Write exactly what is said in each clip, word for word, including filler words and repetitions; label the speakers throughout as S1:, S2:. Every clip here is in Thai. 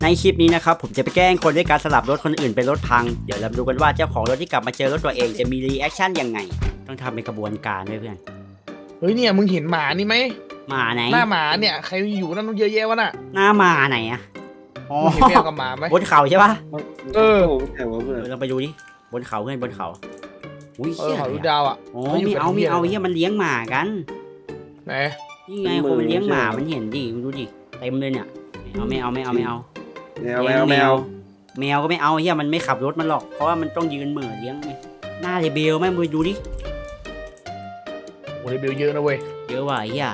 S1: ในคลิปนี้นะครับผมจะไปแกล้งคนด้วยการสลับรถคนอื่นเป็นรถพังเดี๋ยวเราดูกันว่าเจ้าของรถที่กลับมาเจอรถตัวเองจะมีรีแอคชั่นยังไงต้องทำเป็นกระบวนการด้วยเพื่อน
S2: เฮ้ยเนี่ยมึงเห็นหมานี่ไหม
S1: หมาไหน
S2: หน้าหมาเนี่ยใครอยู่นั่นเยอะแยะวะน่ะ
S1: หน้าหมาไหนอะอ๋อ
S2: มึงเห็นแมวกับหมาไหม
S1: บนเขาใช่ปะ
S2: เออ
S3: แต่ว่าเพื่อน
S1: เราไปดูดิบนเขาเพื่อนบนเขาอุ้ย
S2: เอ
S1: เชี่
S2: อย เขาดูดาวอ่ะ
S1: อ๋อมีเอามีเอาเฮียมันเลี้ยงหมากัน
S2: ไหน
S1: นี่ไงคนมันเลี้ยงหมามันเห็นดิมึงดูดิเต็มเลยเนี่ยไม่เอาไม่เอาไม่เอาไม่เอา
S3: แมวแมวแมว
S1: แมวก็ไม่เอาเฮียมันไม่ขับรถมันหรอกเพราะว่ามันต้องยืนเหม่อเลี้ยงไงหน้าเรเบลแม่มึงดูดิ
S2: โอ้ยเบลเยอะนะเว้ย
S1: เยอะว่ะเฮีย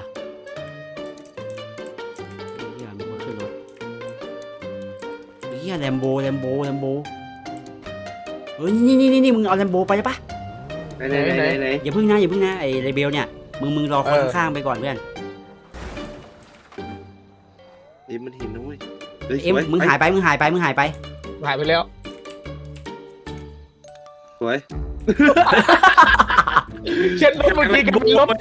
S1: เฮียมันมาขึ้นรถเฮียแลมโบแลมโบแลมโบเฮ้ยนี่นี่นี่นี่มึงเอาแลมโบไปได้ปะ
S3: ไหนไหนไหนไหน
S1: อย่าพึ่งนะอย่าพึ่งนะไอ้เรเบลเนี่ยมึงมึงรอคนข้างๆไปก่อนเพื่อน
S3: เอ็มมันเห็นนะเว้ย
S1: เอ็มมึงหายไปมึงหายไปมึงหายไป
S2: หายไปแล้ว
S3: สวย
S2: เช็ดรถเมื่อกี้กับรถไป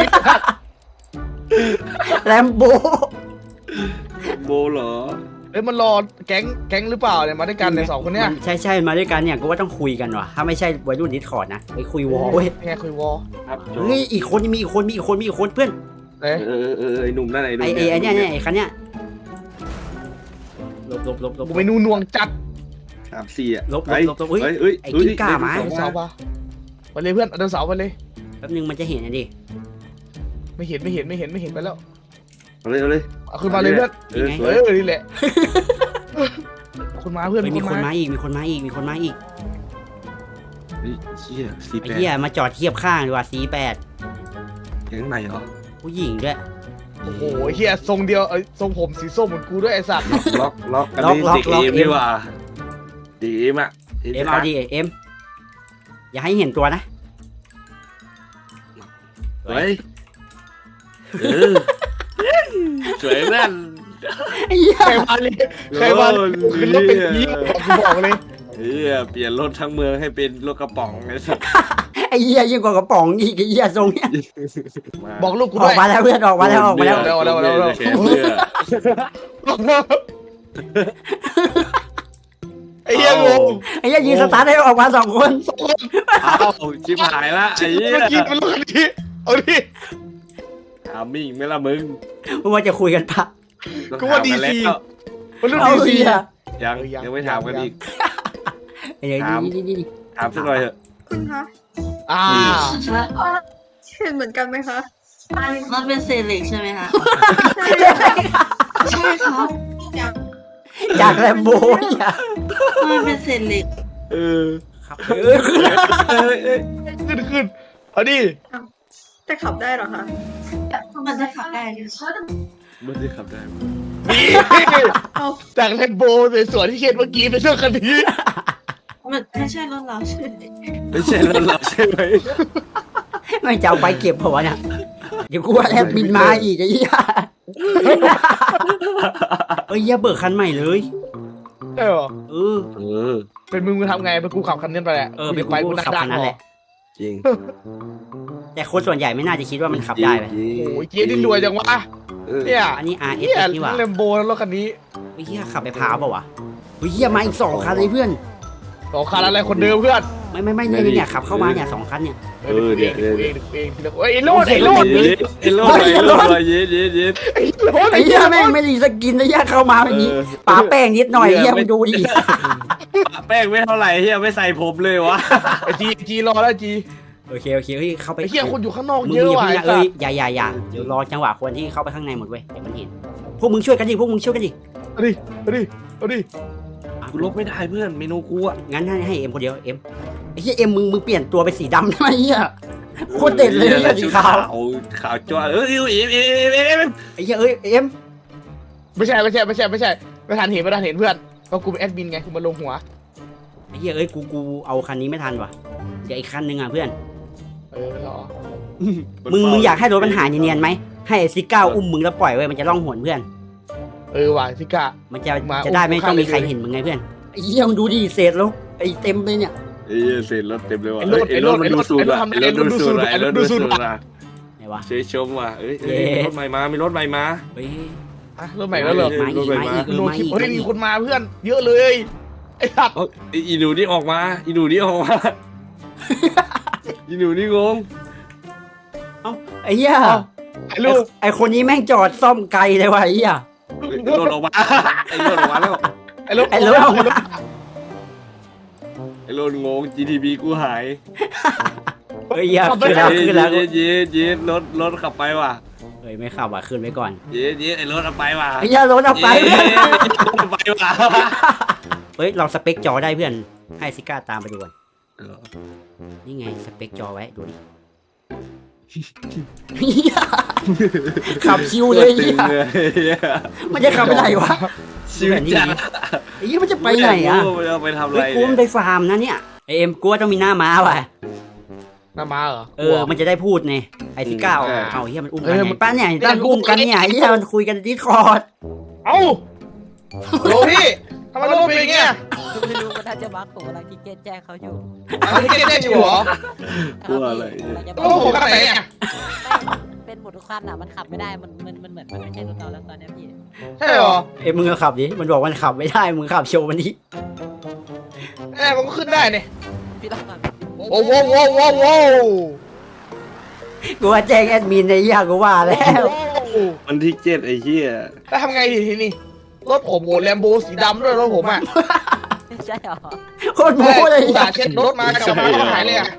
S1: แลมโบ
S3: โบเหรอ
S2: เอ้ยมันรอแก๊งแก๊งหรือเปล่าเนี่ยมาด้วยกันในสองคนเนี้ย
S1: ใช่ใช่มาด้วยกันเนี่ยกูว่าต้องคุยกันว่ะถ้าไม่ใช่วัยรุ่นดิสคอร์ดนะไปคุยวอลเว้ย
S2: ไงคุยวอล
S1: เฮ้ยอีกคนมีอีกคนมีอีกคนมีอีกคนเพื่อน
S3: เออเออเออไอ้หนุ่มนั่นไอ้หนุ่ม
S1: ไอ้ไอ้เนี่ยเนี่ยไอ้คันเนี้ยลบลบลบลบ
S2: กูไม่นูนวงจัด
S3: สามสี่อ่ะ
S1: ลบลบลบลบเฮ้ย
S3: เฮ้ย
S1: ไอ้กิ้งก่ามา
S2: เสาปะไปเลยเพื่อนเดินเสาไปเลย
S1: แป๊บนึงมันจะเห็นนะดิ
S2: ไม่เห็นไม่เห็นไม่เห็นไม่เห็นไปแล้ว
S3: เอาเลยเอาเลย
S2: เอาขึ้นมาเลยเพื่อน
S3: เออ
S2: เออนี่แหละคนมาเพื่อน
S1: มีคนมาอีกมีคนมาอีกมีคนมาอีก
S3: เชี่ยสี่แปด
S1: ไอ้เหี้ยมาจอดเทียบข้างดีกว่าสี่แปด
S3: แก๊งไหนเหรอ
S1: ผู้หญิงด้วย
S2: โอ้โหเฮียทรงเดียวเอ้ยทรงผมสีส้มเหมือนกูด้วยไอ้สัตว์
S3: ล็อกล็อกอันนี้เด็กเอ็มดีกว่าเด็กเอ็มอ่ะ
S1: เอ็มเอาดิเอ็มอย่าให้เห็นตัวนะ
S3: สวยเออสวยแม่น
S2: ใครมาเลยใครมาขึ้นรถเป็นผีกูบอกเลย
S3: เฮียเปลี่ยนรถทั้งเมืองให้เป็นรถกระป๋องไอ้สัส
S1: ไอ้เหี้ยยิ่งกว่ากระป๋องอีกไอ้เหี้ยทรงเนี้ย
S2: บอกลูกกู
S1: ด้วยออกมาแล้วเพื่อนออกมาแล้วออกมาแล้ว
S2: แล้วแล้วแล้วแล้วไอ้เหี้ยงง
S1: ไอ้เหี้ยยิงสตาร์ทให้ออกมาสองคน
S3: อ้าวชิบหายละไอ้เหี้ย
S2: เมื่อกี้มันลูกนี้เอาดิ
S3: ถามมิ่งไม่ละมึง
S1: มึงว่าจะคุยกันปะ
S2: กูว่าดีซีมันรุ่นดีซี
S3: ยังยังไม่ถามกันอีก
S1: ถาม
S3: ถามสักหน่อยเถอะ
S4: คุณคะ
S2: อ่า
S4: เห็นเหมือนกันไหมคะ
S5: มันเป็นเซเล็กใช่ไหมคะ
S4: ใช่
S5: ใช่ครับ
S1: จากแลมโบเนี่ย
S5: มันเป็นเซเล็ก
S3: เออ
S1: ครับ
S2: ขึ้นขึ้นเอาดิ
S4: แต่ขับได้หรอคะ
S5: มันจะขับได้หรือ
S3: มันจะขับได้
S2: จากแลมโบสวยๆที่เช็ดเมื่อกี้เป็นเรื่องคันนี้
S5: มันไม่ใช่รถเราใช่ไหม
S3: ไม่ใช่รถเราใช่ไหม
S1: ไม่จะเอาไปเก็บหัวเนี่ยเดี๋ยวกูว่าแลบบินมาอีกไอ้เหี้ยเอ้ยอย่าเบิกคันใหม่เลย
S2: ใช่หรอ
S1: เออ
S3: เออ
S2: เป็นมึงมึงทำไงเป็นกูขับคันนี้ไปแหละ
S1: เออเป็นกูขับคันนั้นแหละ
S3: จริง
S1: แต่คนส่วนใหญ่ไม่น่าจะคิดว่ามันขับได้ไป
S2: โอ้ยเกียร์ดินรวยจังวะเนี่ย
S1: อันนี้ อาร์ เอส นี่หว่า
S2: แลมโบแล้วรถคันนี้
S1: เฮ้ยขับไปพาวเปล่าวะเฮ้ยเฮียมาอีกสองคันเลยเพื่อน
S2: สองคันอะไรคนเดิมเพื่อน
S1: ไม่ไม่ไม่เนี่ยเนี่ยขับเข้ามาเนี่ยสองคันเนี่ย
S2: เออเดี๋ยวเองเองเองเฮ้ยไอ้โลดไอ้โลด
S3: ไอ้โลดไอ้โลดเย็ดเย็ดเย็ด
S2: ไอ้โลด
S1: ไอ้เหี้ยแม่งไม่ดีสกินไอ้เหี้ยเข้ามาแบบนี้ป๋าแป้งนิดหน่อยเหี้ยมึงดูดิ
S3: ป๋าแป้งไม่เท่าไหร่เหี้ยไม่ใส่ผมเลยวะ
S2: ไอ้จีจีรอแล้วจี
S1: โอเคโอเคเฮ้ยเข้าไป
S2: ไอ้เหี้ยคนอยู่ข้างนอกเยอะว่ะ
S1: เอ้ยอย่าอย่าอย่าเดี๋ยวรอจังหวะคนที่เข้าไปข้างในหมดเว้ยเดี๋ยวมันเห็นพวกมึงช่วยกันดิพวกมึงช่วยกันดิ
S2: เอาดิเอาดิเอาดิ
S3: กูลบไม่ได้เพื่อนเมนูกูอ่ะ
S1: งั้นให้ให้เอ็มคนเดียวเอ็มไอ้เหี้ยเอ็มมึงมึงเปลี่ยนตัวเป็นสีดำทำไมเหี้ยโคตรเด็ดเลยสีขาว
S3: ขาวจ้าเออเอ็มเอ็มเอ็มเอ็ม
S1: ไอ้เหี้ยเอ้ยเอ็ม
S2: ไม่ใช่ไม่ใช่ไม่ใช่ไม่ใช่ไม่ทันเห็นไม่ทันเห็นเพื่อนก็กูเป็นแอดมินไงกูมาลงหัว
S1: ไอ้เหี้ยเอ้ยกูกูเอาคันนี้ไม่ทันว่ะเดี๋ยวอีกคันนึงอ่ะเพื่อน
S2: เออหรอ
S1: มึงมึงอยากให้รถมันหายเนียนๆไหมให้ซิก้าอุ้มมึงแล้วปล่อยไว้มันจะล่องหนเพื่อน
S2: เออว่ะซิก้า
S1: มันจะจะได้ไม่ต้องมีใครเห็นมึงไงเพื่อนไอ้เหี้ยมึงดูดิเศษแล้วไอ้เต็มเลยเนี่ย
S3: ไอ้เศษรถเต็มเลยว่ะไอ้รถไอ้รถมันดูสูดอ่ะไอ้รถดูสูดไอ้รถดูสูดอ่ะ
S1: ไหนวะ
S3: เชยชมว่ะเอ้ยรถใหม่มามีรถใหม่มา
S1: เฮ้ย
S2: อ่ะรถใหม่แล้วเหรอ
S1: มาอีกมาอีก
S2: โดน
S1: มา
S2: คลิป
S1: อีก
S2: เฮ้ยมีคนมาเพื่อน เยอะเลยไอ้สัตว์
S3: เอาไอ้อีหนูนี่ออกมาอีหนูนี่ออกมาอีหนูนี่งง
S1: ไอ้เหี้ย
S2: ไอ้ลูก
S1: ไอ้คนนี้แม่งจอดซ่อมไกลเลยว่ะไอ้เหี้ย
S3: ไอ้โดนออกมาไอ้โดนออกมาแล้ว
S2: ไอ้ลูก
S1: ไอ้รถออกมา
S3: ไอ้โดนงง จี ที บี กูหาย
S1: เฮ้ยเหี้ยขึ้นแล้วขึ้นแล้ว
S3: เย็ดเย็ดเย็ดรถรถขับไปว่ะ
S1: เฮ้ยไม่ขับว่ะขึ้นไว้ก่อน
S3: เย็ดเย็ดไอ้รถเอาไปว่ะ
S1: ไอ้เหี้ยรถเอาไป
S3: เย็
S1: เพื่อน
S3: ดเอาไปว่ะ
S1: เฮ้ยเราสเปคจอได้เพื่อนให้ซิก้าตามไปดูก่อนนี่ไงสเปคจอไว้ดูดิเหี้ยขับชิวเลย
S3: ตึ
S1: เหี้
S3: ง
S1: ย
S3: เลย
S1: มันจะขับไปไหนวะ
S3: ชิวจัด
S1: ไอ้เหี้ยมันจะไปไหนอ่ะ
S3: ม่รู้มันเอาไปทำอะ
S1: เฮ้
S3: ไร
S1: ยกูมันไปฟาร์มนะเนี่ยไอเอ็มกูว่าต้องมีหน้าม้าว่ะ
S2: หน้าม้าเหรอ
S1: เออมันจะได้พูดไงไอซิก้าเอาเฮียมันอุ้มกัน
S2: เออ
S1: ไง
S2: มัน
S1: ป้าเนี่ยตั้งอุ้มกันเนี่ยเฮียมันคุยกันดิสคอร์ด
S2: เอ้าโหลพี่ทำไมรถเป็นอย่างเงี้ย
S6: ไม่รู้มันน่าจะบักผมกำลังคิดเกตแจ้งเขาอยู่
S2: อันนี้เจ๊อยู่เหรอ
S3: กลัวอะไร
S6: กำลังจะบ
S2: โอ้
S6: อก
S2: โหกันไหนเนี่ย
S6: เป็นหมดทุกคันอ่ะมันขับไม่ได้มันมันมันเหมือนมันไม่ใช่รถเราแล้วตอนเนี้ยพี่
S2: ใช่เหรอ
S1: เอ็มมึงก็ขับดิมันบอกมันขับไม่ได้มึงขับโชว์มันดิ
S2: แน่มันก็ขึ้นได้เนี่ย
S6: พี่ต้องขับ
S2: โอ้โหโว้โว้โว้
S1: กูว่าแจ้งแอดมินในเฮียกูว่าแล้ว
S3: วันที่เจ็ดไอ้เหี้ย
S2: แล้วทำไงดีทีนี้รถผมโอ้แลมโบสีดำด้วยรถผมอ่ะ
S6: ใช่เหรอ
S1: โคตรโม้เลย
S2: อุตส่าห์เช็ดรถมากลับมาก็หายเลยอ่ะ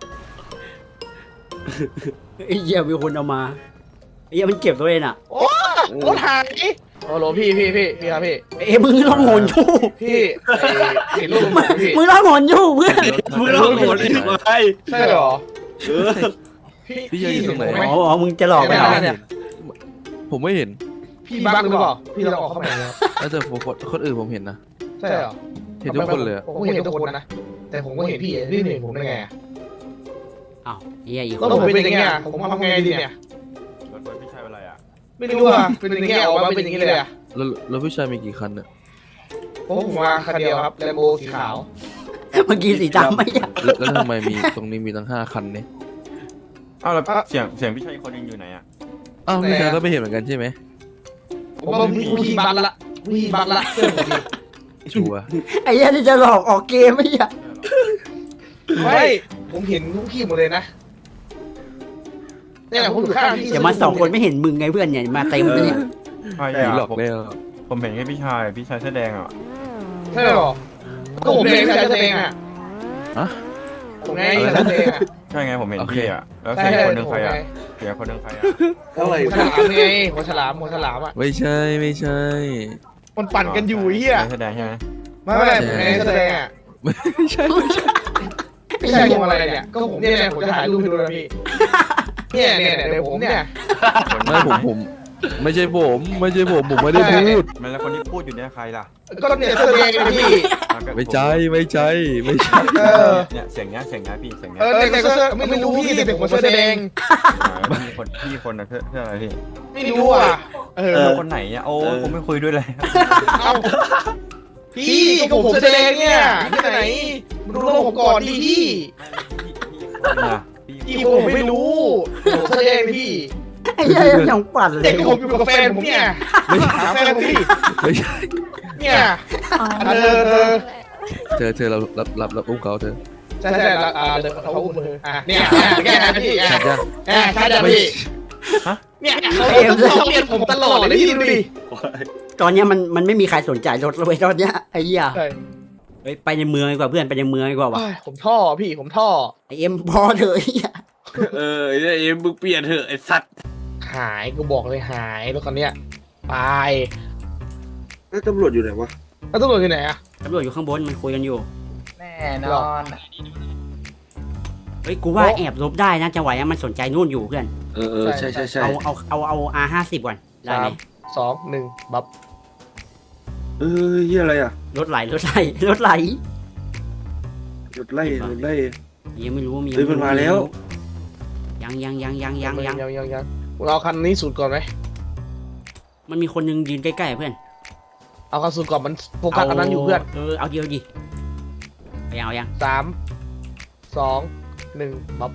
S1: ไอ้เหี้ยมีคนเอามาไอ้เหี้ยมันเก็บตัวเองอ่ะ
S2: โอ้รถหายโอ้โหพี่พี่พี่พี่ครับพี่
S1: เอ้ยมึงร้องโหนอยู่
S2: พี่ไอ้เห็นรูปผมพี่
S1: มึงร้องโหนอยู่เพื่อน
S3: มึงเล่าหมดเลยไหม
S2: ใช่เหรอ
S3: เออ
S2: พี่
S7: พี่ยืนอยู่ตรงไหน
S1: อ๋ออ๋อมึงจะหลอกไปเหรอ
S2: เนี่ย
S7: ผมไม่เห็น
S2: พี่บักหรือเปล่าพี่ลองออกเข้ามาหน่อยครับ
S7: แล้วแต่ผมคนคนอื่นผมเห็นนะ
S2: ใช่เหรอ
S7: เห็นทุกคนเลยอะ
S2: ผมก็เห็นทุกคนนะแต่ผมก็เห็นพี่พี่เห็นผมได้ไงอะ
S1: อ้าวเฮียอีกค
S2: รถ
S1: น
S2: ผมเป็นอย่างเงี้ยผมทำไงดีเนี่ย
S8: รถรถพี่ชายเป็นไรอ่ะ
S2: ไม่รู้อ่ะเป็นอย่างเงี้ยออกมาเป็นอย่างงี้เลยอ่ะ
S7: แล้วแล้วผู้ชายมีกี่คันเนี่ย
S2: ผมผมมาคันเดียวครับแลมโบสีขาว
S1: เมื่อกี้สีดำไม่ใช่
S7: แล้วแล้วทำไมมีตรงนี้มีตั้งห้าคันเนี่ย
S8: อ้าวแล้วเสียงเสียงพี่ชายอีกคนยังอยู่ไหนอ่ะ
S7: อ้าวผู้ชายก็ไม่เห็นเหมือนกันใช่ไหม
S2: ผมว่าพี่พี่บักละพี่บักละเชื่อผมดิ
S7: ชัวร์
S1: ไอ้เหี้ยนี่จะหลอกออกเกมไม่ใช่
S2: ไม่ผมเห็นทุกพี่หมดเลยนะเนี่ยผมอยู่ข้างพี่
S1: เดี๋ยวมาสองคนไม่เห็นมึงไงเพื่อนเนี่ยมาเต็มเลยเนี่ย
S8: ใช่
S7: ผีหล
S8: อ่ะ
S7: อกแล้ว
S8: ผมเห็นแค่พี่ชายพี่ชายเสื้อแดงอ่ะ
S2: ใช่หรอก็ผมเองใช่ตัวเองอ่ะ
S7: อะ
S2: ผมไงใช่ตัวเองอ่ะ
S8: ใช่ไงผมเห็น
S7: โอเค
S8: พี่อ่ะแล้ว
S2: ใช่
S8: เสียง
S2: ใช่
S8: คนหนึง
S2: ผ
S8: ใคร
S2: มไง
S8: อ่ะเสียงคนหนึงใครอ่ะ
S3: เท่าไหร่
S2: หัวฉลามไงหัวฉลามหัวฉลามอ่ะ
S7: ไม่ใช่ไม่ใช่
S2: มันปั่นกันอยู่ไอ้เหี้ย
S8: เสื้อแดงใช่ไหม
S2: ไม่ไม่ผมไงแสดงอ่ะ
S7: ไม่ใช่ไม่ใช่
S2: พี่ชายทำอะไรเนี่ยก็ผมเนี่ยผมจะถ่ายรูปให้ดูนะพี่เนี่ยเนี่ยเนี่ยเดี๋ยวผมเนี่ย
S7: ไม่ผมผม ไม่ใช่ผมไม่ใช่ผมผมไม่ได้พูด
S8: มันแล้วคนที่พูดอยู่เนี่ยใครล่ะ
S2: ก็เนี่ยแสดงนะพี่
S7: ไม่ใช่ไม่ใช่ไม่ใช่
S2: เออ
S8: เนี่ยเสียงเนี้ยเสียงเนี้ยพี่เสียงเนี้
S2: เอย อแต่ก็เสื้อไม่รู้พี่แต่ผมแสดง
S8: พี่คนพี่คนนะเพื่อเพื่ออะไรพี่
S2: ไม่รู้อ่ะเออ
S8: แล้วคนไหนอ่ะโอ้ผมไม่คุยด้วยเลย
S2: เอ้าพี่ก็ผมแสดงเนี่ยที่ไหนมาดูโลกผมก่อนดิพี่
S8: นะพี่
S2: พี่ผมไม่รู้ผมแสดงพี่
S1: ไอ้เหี้ยยังปั่นเล
S2: เด็
S1: ย
S2: กผมอยู่กับแฟนผมเนี่ยหาแฟนผมพี่
S7: ไม่ใช่
S2: เนี่ยเออเออ
S7: เธอเธอเรารับรับรับอุ้มเขาเธอ
S2: ใช่ใช่แล้วอ่าเดี๋ยวเขาอุ้มมืออ่ะเนี่ยแกนะพี่อ่ะ
S7: ชัดยัง
S2: อ่ะใช่จ้ะพี่เนี่ยเขาเขาเปลี่ยนผมตลอดเลยพี่ดูดิ
S1: ตอนเนี้ยมันมันไม่มีใครสนใจรถเลยตอนเนี้ยไอ้เหี้ย
S2: ใช่
S1: เฮ้ยไปในเมืองดีกว่าเพื่อนไปในเมืองดีกว่าวะ
S2: ผมท่อพี่ผมท่อ
S1: ไอเอ็มพอเถอะไอ้เหี้ย
S3: เออไอ้เนี่ยเอ็มมึงเปลี่ยนเถอะไอ้สัตว์
S2: หายกูบอกเลยหายรถคันเนี้ยตาย
S3: แล้วตำรวจอยู่ไหนวะ
S2: แล้วตำรวจอยู่ไหนอะ
S1: ตำรวจอยู่ข้างบนมันคุยกันอยู่
S2: แน่นอน
S1: เฮ้ยกูว่าแอบลบได้นะจังหวะนี้มันสนใจนู่นอยู่เพื่อน
S3: เออเออใช่ใช่ใช่
S1: เอาเอาเอาเอา อาร์ ห้าสิบก่อนได้
S2: สา
S1: ไหม
S2: มสองหนึ่งบับ
S3: เออเฮียอะไรอ่ะ
S1: รถไหลรถไหลรถไหล
S3: รถไล่รถไล่
S1: ยังไม่รู้ว่ามี
S3: เฮ้ยมันมาแล้ว
S1: ยังยังยังยังยังยัง
S2: ยังยังยังเราคันนี้สูตรก่อนไหม
S1: มันมีคนนึงยืนใกล้ๆเพื่อน
S2: เอาคันสูตรก่อนมันโฟกัสอันนั้นอยู่เพื่อน
S1: เออเอาเดียวดิเอายังเอายัง
S2: สามสองหนึ่งบับ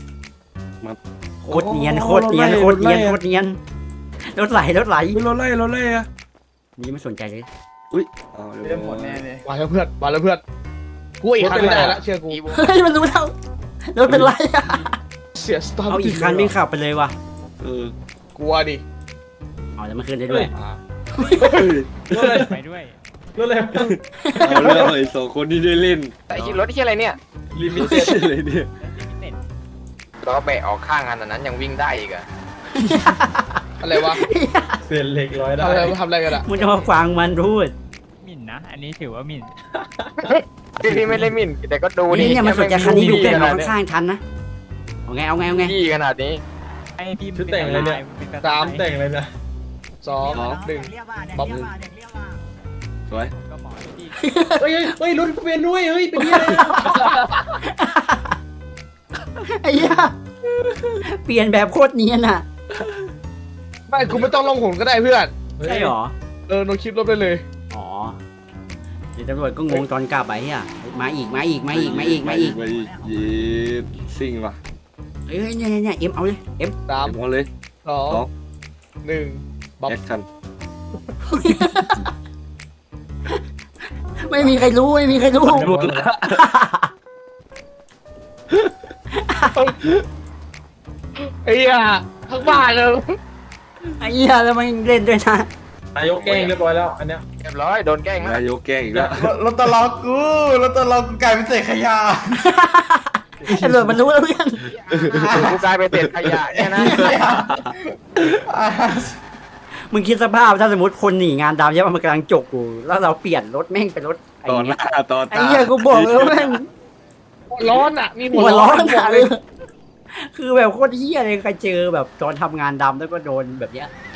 S1: โคตรเนียนโคตรเนียนโคตรเนียนโคตรเนียนรถไหลรถไหล
S3: รถไล่รถไล่อะ
S1: นี่ไม่สนใจเลย
S3: อุ้ยเอาเรียบร้อย
S2: มาแล้วเพื่อนมาแล้วเพื่อนกูอีกคันไม่ได้ละเชื่อกู
S1: เฮ้ยมันรู้แล้วรถเป็นไรอะ
S2: เสียสตาร์ท
S1: เอาอีกคันไม่ขับไปเลยว่ะ
S3: เออก
S2: ลัวดิ
S1: เอาแล้วมันขึ้นได้ด้วย
S9: รถอะไร
S6: ไปด้วย
S9: รถอะไร
S3: เอาเรื่องไอ้สองคนที่ได้เล่น
S10: แต่คิดรถที่อะไรเนี่ย
S3: ลิมิเต็ดเลยเนี่ย
S10: ล้อแบะออกข้างขนาดนั้นยังวิ่งได้อีกอะ
S2: อะไรวะ
S9: เศษเหล็กร้อยได้
S2: ทำอะไรทำอะไรกันอะ
S1: มึงจะมาฟังมันพูด
S6: หมิ่นนะ อันนี้ถือว่าหมิ่น
S10: พี่พี่ไม่ได้หมิ่นแต่ก็ดู
S1: นี่
S10: ดิ
S1: เนี่ยมันสนใจคันนี้อยู่เพื่อน
S10: ข
S1: เรา
S10: นาดนี้
S1: ข้างๆทันนะเอาไงเอาไงเอาไง
S10: พี่ขนาดนี้
S6: ให้พี่
S9: ชุดแต่งอะไรเนี่ย สามแต่งเลยนะ
S2: สองหนึ่งบ๊อบหนึ่ง
S3: สวย
S6: ก็หมอพี่
S9: เฮ้ยเฮ้ยรถกูเป็นด้วยเฮ้ยเป็นยังไง
S1: ไอ้เหี้ยเปลี่ยนแบบโคตรเนียนอ่ะ
S2: ไม่กูไม่ต้องลงหนก็ได้เพื่อน
S1: ใช่หรอ
S2: เออโนคลิปลบได้เลย
S1: อ๋อเดี๋ยวตำรวจก็งงตอนกลับไปเฮียมาอีกมาอีกมาอีกมาอีกมาอีก
S3: มาอีกยีดซิ่งว่ะ
S1: เฮ้ยเนี่ยเนี่ยเนี่ยเอ็มเอาเลยเอ็ม
S2: สาม
S3: เดี๋ยวพอเลย
S2: สอง
S3: สอง
S2: หนึ่งบ๊อบ
S3: แอคชั่น
S1: ไม่มีใครรู้ไม่มีใครรู้
S3: หมดละ
S2: ไอ้เหี้ยทั้งบ้านเลย
S1: ไอ้เหี้ยแล้วมันเล่นด้วยนะ
S9: นายกแกล้งเรียบร้อยแล้วอันเนี้ย
S10: เรียบร้อยโดนแกล้งแล้ว
S3: นายกแกล้งอีกแล้ว
S8: รถตลอกกูรถตลอกกูกลายเป็นเศษขยะ
S1: ตำรวจมันรู้แล้วเพื่อน
S10: กูกลายเป็นเศษขยะเนี่ยนะ
S1: มึงคิดสภาพถ้าสมมติคนหนีงานดำใช่ป่ะมันกำลังจกกูแล้วเราเปลี่ยนรถแม่งเป็นรถไอ้
S3: ต่อห
S1: เนี้
S3: น้าย ต่อ
S1: ไอ้
S3: ตา
S1: เหี้ยกูบอกเลยว่าแม่ง
S2: หัวร้อนอ่ะ มีหั
S1: หั
S2: ว
S1: ว
S2: ร้
S1: ร้
S2: อ
S1: อน น
S2: บอ
S1: อะ
S2: กเลย
S1: คือแบบโคตรเหี้ยเลยใครเจอแบบตอนทำงานดำแล้วก็โดนแบบเนี้ย